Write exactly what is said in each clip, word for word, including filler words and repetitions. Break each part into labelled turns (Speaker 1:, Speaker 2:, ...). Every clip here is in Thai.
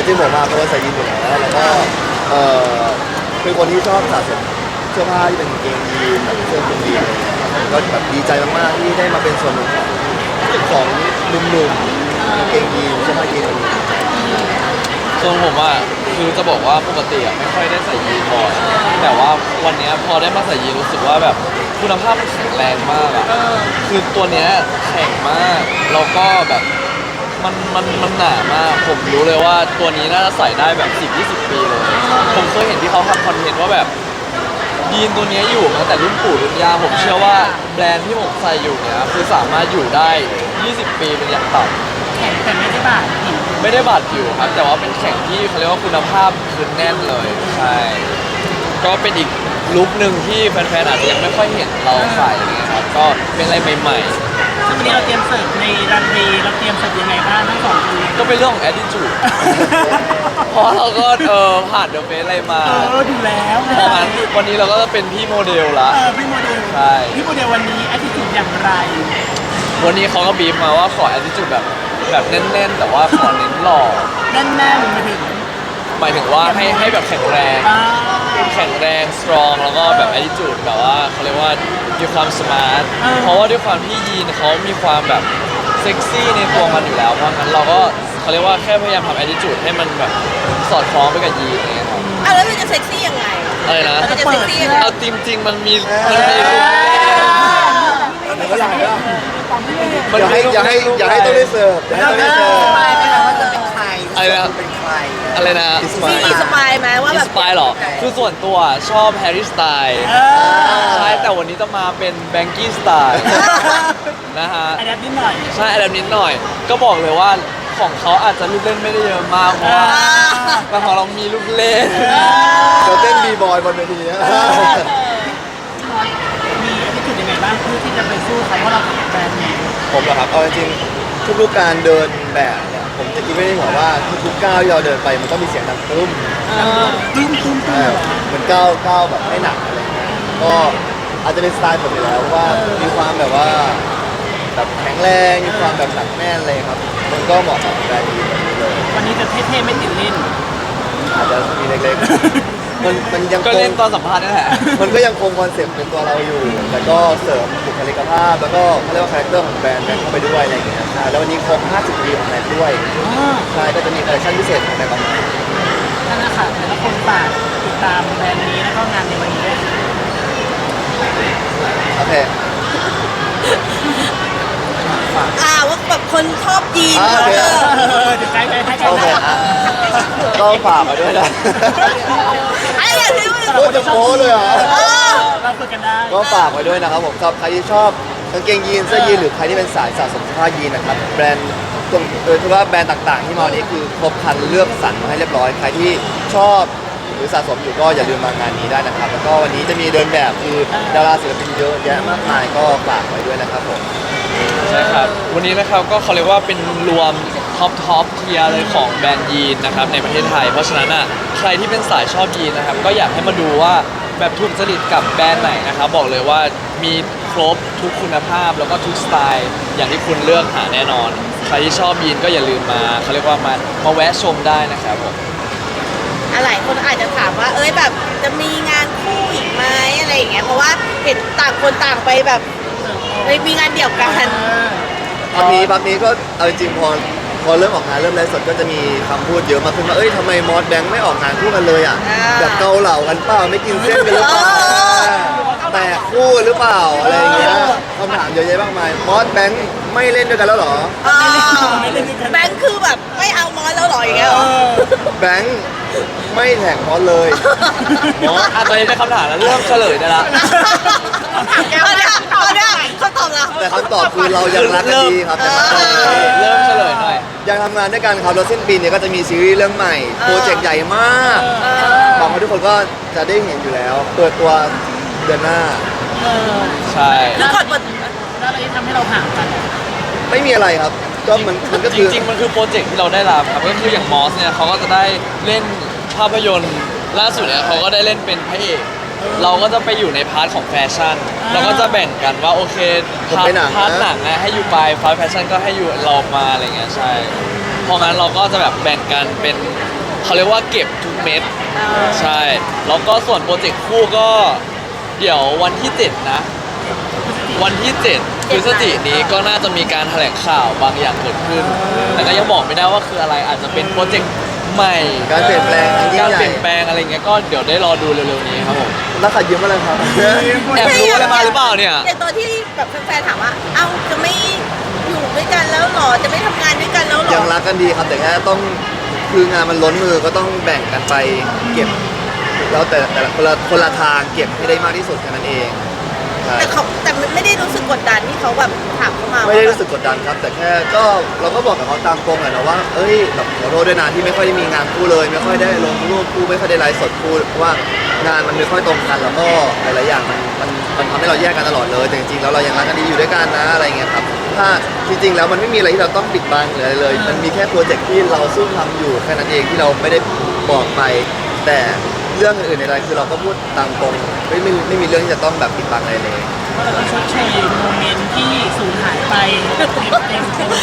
Speaker 1: ริงๆผมมาเป็นคนใส่ยีนอยู่แล้วแล้วก็เออเป็นคนที่ชอบสะสมเสื้อผ้าที่เป็นกางเกงยีนแบบเสื้อคลุมยีนอะไรอย่างเงี้ยครับผมก็แบบดีใจมากๆที่ได้มาเป็นส่วนหนึ่งของของหนุ่มๆกางเกงยีนเสื้อผ้ายีนอะไรอย่างเงี้ย
Speaker 2: ส่วนผมอ่ะคือจะบอกว่าปกติอ่ะไม่ค่อยได้ใส่ยีนบ่อยแต่ว่าวันเนี้ยพอได้มาใส่ยีนรู้สึกว่าแบบคุณภาพมันแข็งแรงมากอ่ะคือตัวเนี้ยแข็งมากแล้วก็แบบมันมันมันหนามากผมรู้เลยว่าตัวนี้น่าจะใส่ได้แบบสิบยี่สิบปีเลยผมเคยเห็นที่เขาทำคอนเทนต์ว่าแบบยีนตัวเนี้ยอยู่มาตั้งแต่รุ่นปู่รุ่นย่าผมเชื่อว่าแบรนด์ที่ผมใส่อยู่เนี่ยคือสามารถอยู่ได้ยี่สิบปีเป็นอย่างต่ำ
Speaker 3: แข็งแต่ไม่ได้บาดผิว
Speaker 2: ไม่ได้บาดผิวครับแต่ว่าเป็นแข่งที่เขาเรียกว่าคุณภาพคือแน่นเลยใช่ก็เป็นอีกลุคหนึ่งที่แฟนๆอาจจะยังไม่ค่อยเห็นเราใส่อะไรเงี้ยครับก็เป็นอะไรใหม่
Speaker 3: ซึ่งวันนี้เราเตรียมเสิร์ฟในรันเวย์เราเตรียมเสิร์ฟยังไงบ้างทั้งสองคน
Speaker 2: ๆก็เป็นเรื่องของ attitude เพราะเราก็เออผ่านเดอะเฟสอะไรมา
Speaker 3: เออดูแล้ว
Speaker 2: เพราะงั้นวันนี้เราก็จะเป็นพี่โมเดลละ
Speaker 3: เออพี่โมเดล
Speaker 2: ใช่
Speaker 3: พี่โมเดลวันนี้แอตติจูดอย่างไร
Speaker 2: วันนี้เขาก็บีบมาว่าขอ attitude แบบแบบแน่นๆ แต่ว่าขอเน้นหล่อ
Speaker 3: แน่นๆมาถึง
Speaker 2: หมายถึงว่าให้ให้แบบแข็งแรง
Speaker 3: อ่า
Speaker 2: แข็งแรง strong แล้วก็แบบ attitude แบบว่าเขาเรียกว่ามีความ smart เพราะว่าด้วยความที่ยีนเขามีความแบบเซ็กซี่ในตัวมันอยู่แล้ว เพราะงั้นเราก็เขาเรียกว่าแค่พยายามทำ attitude ให้มันแบบสอดคล้องไปกับยีนอะไรเงี้ยครับ
Speaker 4: อ่ะแล้วเราจะเซ็กซี่ยังไง
Speaker 2: อะไรนะ
Speaker 4: เราจะเซ็กซี่ยังไง
Speaker 2: เอาจริง ๆ มันมีมันมีรูป
Speaker 1: เมื่อไหร่ก็
Speaker 2: มัน
Speaker 1: อย่าให้
Speaker 2: มีรูป
Speaker 1: อย่าให้อย่าให้ต้องได้เสิร์ฟอย่าให้ต้องได้เสิร์ฟ
Speaker 4: สปายไหมคะว่าจะเป็นใคร
Speaker 2: อะไรนะ
Speaker 4: เป็นใคร
Speaker 2: อะไรนะ
Speaker 1: อินส
Speaker 4: มี
Speaker 1: ปาย
Speaker 4: มีสปายไหมว่า
Speaker 2: อิน
Speaker 4: แบ
Speaker 2: ส
Speaker 4: บ
Speaker 2: ปายหรอคือส่วนตัวชอบแฮร์รี่สไตล์
Speaker 3: เออ
Speaker 2: ใช่แต่วันนี้จะมาเป็นแบงกี้สไตล์นะฮะ
Speaker 3: อันนี้นิดหน่อย
Speaker 2: ใช่อะไรนิดหน่อย ก็บอกเลยว่าของเขาอาจจะลูกเล่นไม่ได้เยอะมากเพราะว่าแต่ของเรามีลูกเล่น
Speaker 1: เดี๋ยวเต้นบีบอยบนเวทีนะ
Speaker 3: มีแอตติจูดยังไงบ้างเพื่อที่จะไปสู้เขาเพราะเราเป็นแบรนด์นี้
Speaker 1: ผมเหรอครับเอาจริงๆทุกๆการเดินแบบเนี่ยผมจะคิดไม่ได้หัวว่าทุกๆก้าวที่เราเดินไปมันต้องมีเสียงดังตุ้ม
Speaker 3: ตุ้มตุ้มตุ้
Speaker 1: ใช่
Speaker 3: ม
Speaker 1: เหมือนก้าวก้าวแบบไม่หนักอะไรเงี้ยก็อาจจะเป็นสไตล์ผมอยู่แล้วว่ามีความแบบว่าแบบแข็งแรงมีความแบบหนักแน่นเลยครับมันก็เหมาะกับแบรนด์ยีนแบบนี้เลย
Speaker 3: วันนี้จะเท่ๆไม่ติดเล่น
Speaker 1: อาจจะมีเล็กๆมันมันยัง
Speaker 2: ก็
Speaker 1: ค
Speaker 2: เล่น
Speaker 1: ง
Speaker 2: ตอนสัมภาษณ์นี่แหละ
Speaker 1: มันก็ยังคงคอนเซ็ปต์เป็นตัวเราอยู่ แต่ก็เสริมบุคลิกภาพ แล้วก็เขาเรียกว่าคาแรคเตอร์ของแบรนด์แบรนด์เข้าไปด้วยอะไรอย่างเงี้ยใช่แล้ววันนี้ครบห้าสิบปีของแบรนด์ด้วย ใช่ ก็จะมีคอลเลคชั่นพิเศษของแบรนด์ออกมา
Speaker 3: ท่านนะคะแต่ละคนฝากติดตามแบรนด์นี้แล้วก็งานในวันนี้ด้วย
Speaker 1: โอเค
Speaker 4: อ่าว่าแบบคนชอบยีน
Speaker 1: อ่าโอเค
Speaker 4: เออ
Speaker 3: เออเดี๋ยวไกด์ไปให้ไก
Speaker 1: โอ
Speaker 3: ด์
Speaker 1: เค
Speaker 3: ไป
Speaker 1: อ่ะก็ฝากมาด้วยนะ
Speaker 4: ไอ้อย่างที่มัน
Speaker 1: โคตรจะโม้เลยเหรอ
Speaker 4: เออ
Speaker 3: เราคุยกันได้
Speaker 1: ก็ฝากไว้ด้วยนะครับผมสำหรับใครที่ชอบกางเกงยีนเสื้อยีนหรือใครที่เป็นสายสะสมเสื้อผ้ายีนนะครับแบรนด์ตรงโดยเฉพาะแบรนด์ต่างๆ ที่มาวันนี้คือครบครันเลือกสรรมาให้เรียบร้อยใครที่ชอบหรือสะสมอยู่ก็อย่าลืมมางานนี้ได้นะครับแล้วก็วันนี้จะมีเดินแบบคือดาราศิลปินเยอะแยะมากมายก็ฝากไว้ด้วยนะครับผม
Speaker 2: ใช่ครับ วันนี้นะครับก็เขาเรียกว่าเป็นรวมท็อปท็อปเทียร์เลยของแบรนด์ยีนนะครับในประเทศไทย เพราะฉะนั้นอ่ะใครที่เป็นสายชอบยีนนะครับก็อยากให้มาดูว่าแบบถูกจริตกับแบรนด์ไหนนะครับบอกเลยว่ามีครบทุกคุณภาพแล้วก็ทุกสไตล์อย่างที่คุณเลือกหาแน่นอน ใครที่ชอบยีนก็อย่าลืมมาเขาเรียกว่ามามาแวะชมได้นะครับผม
Speaker 4: หลายคนอาจจะถามว่า เอ้ยแบบจะมีงานคู่อีกไหมอะไรอย่างเงี้ยเพราะว่าเห็นต่างคนต่างไปแบบไปมีงานเดี่ยวกัน
Speaker 1: พักนี้พักนี้ก็เอาจริงๆพอพอเริ่มออกงานเริ่มไลฟ์สดก็จะมีคำพูดเยอะมากขึ้นว่าเอ้ยทำไมมอสแบงค์ไม่ออกงานคู่กันเลยอ่ะ
Speaker 4: อ่า
Speaker 1: แบบเกาเหล่ากันเปล่าไม่กินเส้นกันหรือเปล่าแตกคู่หรือเปล่าอะไรอย่างเงี้ยคำถามเยอะแยะมากมายมอสแบงค์ไม่เล่นด้วยกันแล้วเหรอ
Speaker 4: อ่าแบงค์คือแบบไม่เอามอสแล้วเหรออย่างเงี้ยเหรอ
Speaker 1: แบงค์ไม่แท็กมอสเลย
Speaker 2: เนาะอ่ะตอนนี้ได้คำถามแล้วเริ่มเฉลยได้ละ
Speaker 4: เอาเนี่ยเอาเนี่ยเขาตอบเรา
Speaker 1: แต่คำตอบคือเรายังรักกันดีครับแต่คำตอบคือ
Speaker 2: เริ่มเฉลยหน่อย
Speaker 1: ยังทำงานด้วยกันครับแล้วสิ้นปีนี้ก็จะมีซีรีส์เรื่องใหม่โปรเจกต์ใหญ่มากหวังว่าทุกคนก็จะได้เห็นอยู่แล้ว เปิดตัวเดือนหน้า
Speaker 3: เออ
Speaker 2: ใช่
Speaker 4: แล้วก่อนเปิด
Speaker 3: แล้วอะไรที่ทำให้เราห่างกัน
Speaker 1: ไม่มีอะไรครับ ก็มันมันก็
Speaker 2: จ
Speaker 1: คือ
Speaker 2: ริงๆ มันคือโปรเจกต์ที่เราได้รับครับก็คืออย่างมอสเนี่ยเขาก็จะได้เล่นภาพยนตร์ล่าสุดเนี่ยเขาก็ได้เล่นเป็นพระเอกเราก็จะไปอยู่ในพาร์ทของแฟชั่นเราก็จะแบ่งกันว่าโอเคพาร์ทพาร์ทหนังนะให้อยู่ไปพาร์ทแฟชั่นก็ให้อยู่เรามาอะไรเงี้ยใช่เพราะงั้นเราก็จะแบบแบ่งกันเป็นเขาเรียกว่าเก็บทุกเม็ดใช่แล้วก็ส่วนโปรเจกต์คู่ก็เดี๋ยววันที่เจ็ดนะ วันที่เจ็ดพฤศจิกายนนี้ก็น่าจะมีการแถลงข่าวบางอย่างเกิดขึ้น แต่ก็ยังบอกไม่ได้ว่าคืออะไรอาจจะเป็นโปรเจกต์ใหม่
Speaker 1: การเปลี่ยนแปลงอันยิ่
Speaker 2: กาง ร
Speaker 1: ใหญ่
Speaker 2: เปลี่ยนแปลงอะไรเงี้ยก็เดี๋ยวได้รอดูเร็วๆนี้ครับผม
Speaker 1: แล้วขัดยืมอะไรครับ
Speaker 2: แอบรู้อะไรมาหรือเปล่าเนี่ย
Speaker 4: อย่างตัวที่แบบแฟนๆถามว่า เอ้าจะไม่อยู่ด้วยกันแล้วหรอ จะไม่ทำงานด้วยกันแล้วหรอ
Speaker 1: ยังรักกันดีครับแต่แค่ต้องคืองานมันล้นมือก็ต้องแบ่งกันไปเก็บ แล้วแต่แต่ละคนละคนละทางเก็บให้ได้มากที่สุดแค่นั้นเองใช่
Speaker 4: แต่เขาแต่ไม่ได้รู้สึกกดดันที่เขาแบบถามเข้ามา
Speaker 1: ไม่ได้
Speaker 4: ว่า
Speaker 1: รู้สึกกดดันครับ แต่แค่ก็เราก็บอกกับเขาตามตรงแหละนะว่าเอ้ยแบบขอโทษด้วยนะที่ไม่ค่อยได้มีงานคู่เลย ไม่ค่อยได้ลงรูปคู่ไม่ค่อยได้ไลฟ์สดคู่เพราะว่างานมันไม่ค่อยตรงกันแล้วก็หลายๆอย่างมันมันมันทำให้เราแยกกันตลอดเลยแต่จริงๆแล้วเรายังรักกันดีอยู่ด้วยกันนะอะไรเงี้ยครับถ้าจริงๆแล้วมันไม่มีอะไรที่เราต้องปิดบังหรืออะไรเลย มันมีแค่โปรเจกต์ที่เราซุ่มทำอยู่แค่นั้นเองที่เราไม่ได้บอกไป แต่เรื่องอื่นๆในอะไรคือเราก็พูดตามตรงไม่ไม่ไม่มีเรื่องที่จะต้องแบบปิดบังอะไรเลย
Speaker 3: ก็เราต้องชดเชยโมเมนต์ที่สูญหายไปเต็มเต็มเต็มเต็ม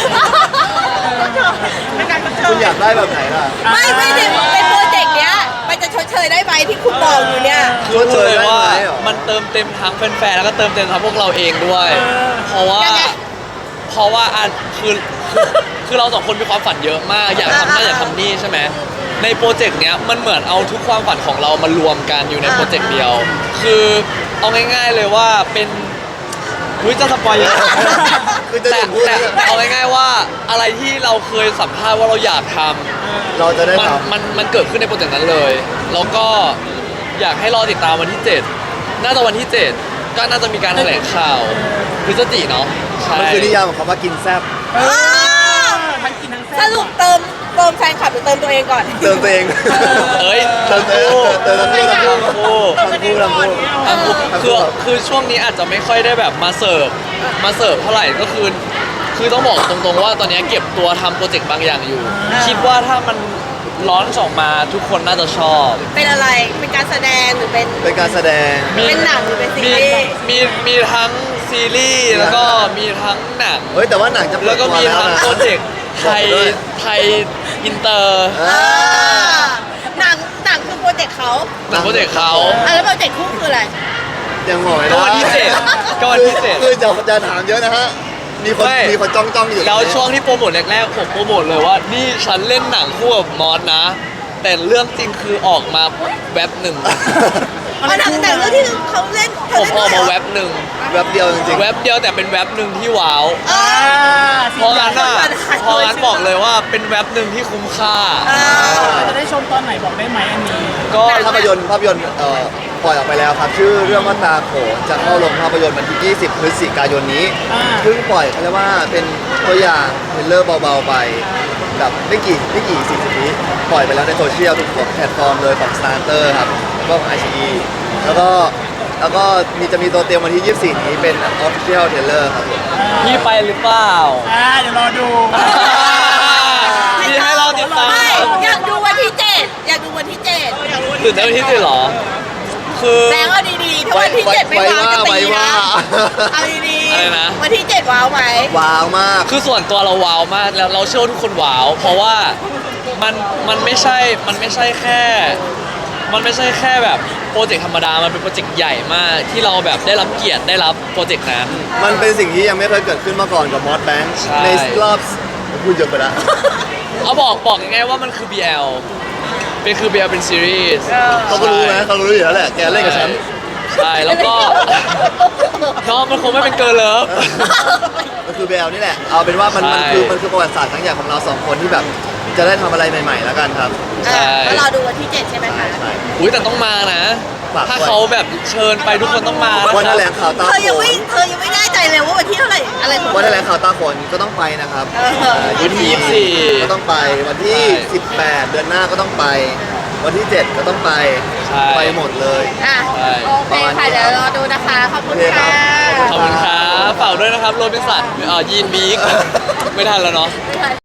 Speaker 3: เป็นการชดเช
Speaker 1: คุณ
Speaker 3: ย
Speaker 1: อยากได้แบบไหนล่ะ
Speaker 4: ไม่ไม่ได้เป็นโปรเจกต์เนี้ยมันจะชดเชยได้ไหมที่คุณบอกอยู่เนี่ย
Speaker 1: ชดเชย
Speaker 2: เลย
Speaker 1: ได้
Speaker 2: ว่า
Speaker 1: ไหมเหรอ
Speaker 2: มันเติมเต็มทั้งแฟนๆแล้วก็เติมเต็มทั้งพวกเราเองด้วย เพราะว่า
Speaker 4: ยังไง
Speaker 2: เพราะว่าอันคือคือคือเราสองคนมีความฝันเยอะมาก อยากทำนั่นอยากทำนี่ใช่ไหมในโปรเจกต์เนี้ยมันเหมือนเอาทุกความฝันของเรามารวมกันอยู่ในโปรเจกต์เดียว คือเอาง่ายๆเลยว่าเป็นอุ้ยจะสปอยเยอะ
Speaker 1: คือจะ
Speaker 2: แต่
Speaker 1: ถึงพูด
Speaker 2: แต่
Speaker 1: เนี่ย
Speaker 2: แต่เอาง่ายๆว่าอะไรที่เราเคยสัมภาษณ์ว่าเราอยากทำ
Speaker 1: เราจะได้
Speaker 2: มัน
Speaker 1: ท
Speaker 2: มันมันเกิดขึ้นในโปรเจกต์นั้นเลย แล้วก็อยากให้รอติดตามวันที่ เจ็ด น่าจะวันที่ เจ็ด ก็น่าจะมีการแถลงข่าวพฤศจิกเนาะใช่
Speaker 1: ำมันคือนิยามของคำว่ากินแซ่บ
Speaker 3: เออทั้งกินทั้งแซ่
Speaker 4: สรุปเติมเติมแฟนคลับหรือเติมตัวเองก่อน
Speaker 1: เติมตัวเอง
Speaker 2: เอ้ย
Speaker 1: เติมตัวเองเติมทั้งคู่ทั้งคู่
Speaker 2: ทั้งคู่
Speaker 1: ทั้งคู่ทั้งคู่
Speaker 2: ทั้งคู่คือคือช่วงนี้อาจจะไม่ค่อยได้แบบมาเสิร์ฟมาเสิร์ฟเท่าไหร่ก็คือ คือต้องบอกตรงๆว่าตอนนี้เก็บตัวทำโปรเจกต์บางอย่างอยู่ คิดว่าถ้ามันร้อนออกมาทุกคนน่าจะชอบ
Speaker 4: เป็นอะไร เป็นการแสดงหรือเป็น
Speaker 1: เป็นการแสดง
Speaker 4: เป็นหนังหรือเป็นซี
Speaker 2: มี
Speaker 4: รีส์
Speaker 2: มีมีทั้งซีรีส์แล้วก็มีทั้งหนัง
Speaker 1: เฮ้ยแต่ว่าหนังจะเปิ
Speaker 2: แล้
Speaker 1: ด
Speaker 2: วก็
Speaker 1: ตัว
Speaker 2: มี
Speaker 1: แล้ว
Speaker 2: ทั้ง
Speaker 1: นะ
Speaker 2: โปรเจกต์ไทย
Speaker 1: บอกด้วย
Speaker 2: ไทยอินเตอร์
Speaker 1: เอ
Speaker 4: อ่า
Speaker 1: อ
Speaker 4: หนังหนังคือโปรเจกต์เขา
Speaker 2: หนังโปรเจกต์เขา
Speaker 4: อ่ะแล้วโปรเจกต์คู่คืออะไร
Speaker 1: ยังบอกไม่
Speaker 2: ก็
Speaker 1: ได้
Speaker 2: วันที่เจ็ดก็วันที่เจ็ด
Speaker 1: คือจะจะถามเยอะนะฮะ มีคน
Speaker 2: ไม่
Speaker 1: มีคนจ้องจ้องๆอยู่
Speaker 2: แล้วช่วงที่โปรโมทแรกๆผมโปรโมทเลยว่านี่ฉันเล่นหนังคู่กับมอสนะ แต่เรื่องจริงคือออกมาแว็บหนึ่ง
Speaker 4: อ๋อหนังหนังเรื่องที่เขาเล่น
Speaker 2: ผ
Speaker 4: เขา
Speaker 2: ม
Speaker 4: เล่น
Speaker 2: ออก
Speaker 4: ด้วย
Speaker 2: มา
Speaker 4: เหร
Speaker 2: แว็
Speaker 4: อบ
Speaker 2: หนึ่ง
Speaker 1: แวบเดียวจริง
Speaker 2: แว็บเดียวแต่เป็นแว็บหนึ่งที่ว้าว
Speaker 4: อ่า
Speaker 2: เพราะงั้นอ่ะเพราะงั้นบอกเลยว่าเป็นแว็บหนึ่งที่คุ้มค่า
Speaker 4: อ่า
Speaker 3: จะได้ชมตอนไหนบอกได้ไหมอันนี้
Speaker 2: ก็
Speaker 1: ๆภาพยนตร์ภาพยนตร์เอ่อปล่อยออกไปแล้วครับ ชื่อเรื่องว่าตาโขนจะเข้าลงภาพยนตร์วันที่ ยี่สิบ พฤศจิกายนนี้
Speaker 3: อ่า
Speaker 1: เพิ่งปล่อยเขาเรียกว่าเป็นตัวอย่างเทรลเลอร์เบาๆไปแบบไม่กี่ไม่กี่สิบวิปล่อยไปแล้วในโซเชียลทุกแพลตฟอร์มเลยของ Starter ครับแล้วก็ของ ไอ ซี อี แล้วก็แล้วก็มีจะมีตัวเตรียมวันที่ ยี่สิบสี่ นี้เป็น Official Trailer ครับผม
Speaker 2: พี่ไปหรือเปล่า
Speaker 3: อ่าเดี๋ยวรอดู
Speaker 2: พี่ให้เราติดตาม
Speaker 4: ไม่อยากดูวันที่เจ็ดอยากดูวันที่เจ็ด
Speaker 2: ตื่นเต้นที่สุดเหรอ คือ
Speaker 4: แบงค์เอาดีๆถ้าวันที่เจ็ดไม่ว้าวจะตีนะเอาดี
Speaker 2: อะไรนะ
Speaker 4: ๆวันที่เจ็ดว้าวไหม
Speaker 1: ว้าวมาก
Speaker 2: คือส่วนตัวเราว้าวมากแล้วเราเชื่อว่าทุกคนว้าว เพราะว่ามันมันไม่ใช่มันไม่ใช่แค่ มันไม่ใช่แค่แบบโปรเจกต์ธรรมดา มันเป็นโปรเจกต์ใหญ่มากที่เราแบบได้รับเกียรติได้รับโปรเจกต์นั้น
Speaker 1: มันเป็นสิ่งที่ยังไม่เคยเกิดขึ้นมาก่อนกับมอสแบงค์
Speaker 2: ใช่
Speaker 1: ในรอบพูดเยอะไปแล้ว
Speaker 2: เอาบอกบอกง่ายๆว่ามันคือ บี แอล เป็นคือ บี แอล เป็นซีรีส์
Speaker 1: เขาก็รู้นะเขารู้อยู่แล้วแหละแกเล่นกับฉัน
Speaker 2: ใช่แล้วก็ น้องมันคงไม่เป็นเกิร์ลเลิฟ
Speaker 1: มันคือเบลนี่แหละ เอาเป็นว่ามัน
Speaker 2: ใช่
Speaker 1: มันคือมันคือประวัติศาสตร์ทั้งอย่างของเราสองคนที่แบบจะได้ทำอะไรใหม่ๆแล้วกันครับ
Speaker 2: ใช่
Speaker 4: อ่าก็รอดูวันที่เจ็ดใช่ไหมคะ
Speaker 1: ใช่
Speaker 2: อุ้ยแต่ต้องมานะ
Speaker 1: ฝากไว้
Speaker 2: ถ้าเขาแบบเชิญไปทุกคนต้องมานะ
Speaker 1: วัน
Speaker 2: ค
Speaker 1: แถ
Speaker 2: รับ
Speaker 1: ลงข่าวตา
Speaker 4: เธอ
Speaker 1: โข
Speaker 4: ยังไม่
Speaker 1: น
Speaker 4: เธอยังไม่แน่ใจเลยว่าวันที่เท่าไหร่อะไรของ
Speaker 1: วัน
Speaker 4: เธ
Speaker 1: แถ
Speaker 4: อ
Speaker 1: ลงข่าวตาโขนก็ต้องไปนะครับ
Speaker 4: เออ
Speaker 1: อ่า
Speaker 2: วันที่ยี่สิบสี่
Speaker 1: ก็ต้องไปวันที่
Speaker 2: ใช่
Speaker 1: สิบแปด เดือนหน้าก็ต้องไป วันที่เจ็ดก็ต้องไป
Speaker 2: ใช่
Speaker 1: ไปหมดเลย
Speaker 4: อ่ะ
Speaker 2: ใช่
Speaker 4: โอเคค่ะเดี๋ยวรอดูนะคะ ขอบคุณ
Speaker 1: โอเคครั
Speaker 4: ค่ะ
Speaker 1: บ
Speaker 2: ขอบคุณครับฝากด้วยนะครับโรบินสันเอ่อยีนบีกไม่ทันแล้วเนาะ
Speaker 4: ไม่ทัน